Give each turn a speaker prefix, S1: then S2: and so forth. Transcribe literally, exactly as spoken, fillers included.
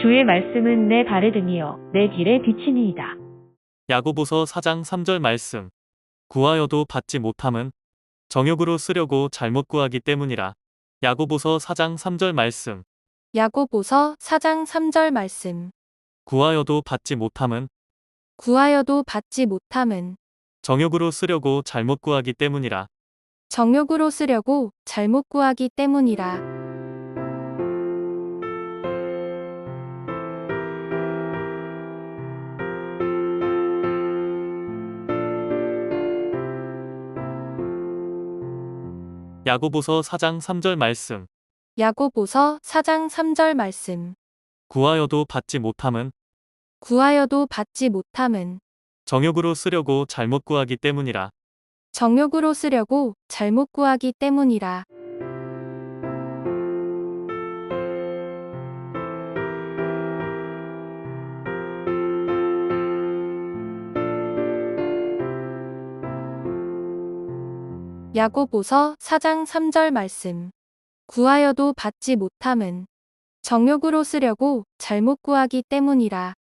S1: 주의 말씀은 내 발에 등이요 내 길에 비치니이다.
S2: 야고보서 사 장 삼 절 말씀. 구하여도 받지 못함은 정욕으로 쓰려고 잘못 구하기 때문이라. 야고보서 사 장 삼 절 말씀.
S3: 야고보서 사 장 삼 절 말씀.
S2: 구하여도 받지 못함은
S3: 구하여도 받지 못함은
S2: 정욕으로 쓰려고 잘못 구하기 때문이라.
S3: 정욕으로 쓰려고 잘못 구하기 때문이라.
S2: 야고보서 사 장 삼 절 말씀.
S3: 야고보서 사 장 삼 절 말씀.
S2: 구하여도 받지 못함은
S3: 구하여도 받지 못함은
S2: 정욕으로 쓰려고 잘못 구하기 때문이라.
S3: 정욕으로 쓰려고 잘못 구하기 때문이라. 야고보서 사 장 삼 절 말씀. 구하여도 받지 못함은 정욕으로 쓰려고 잘못 구하기 때문이라.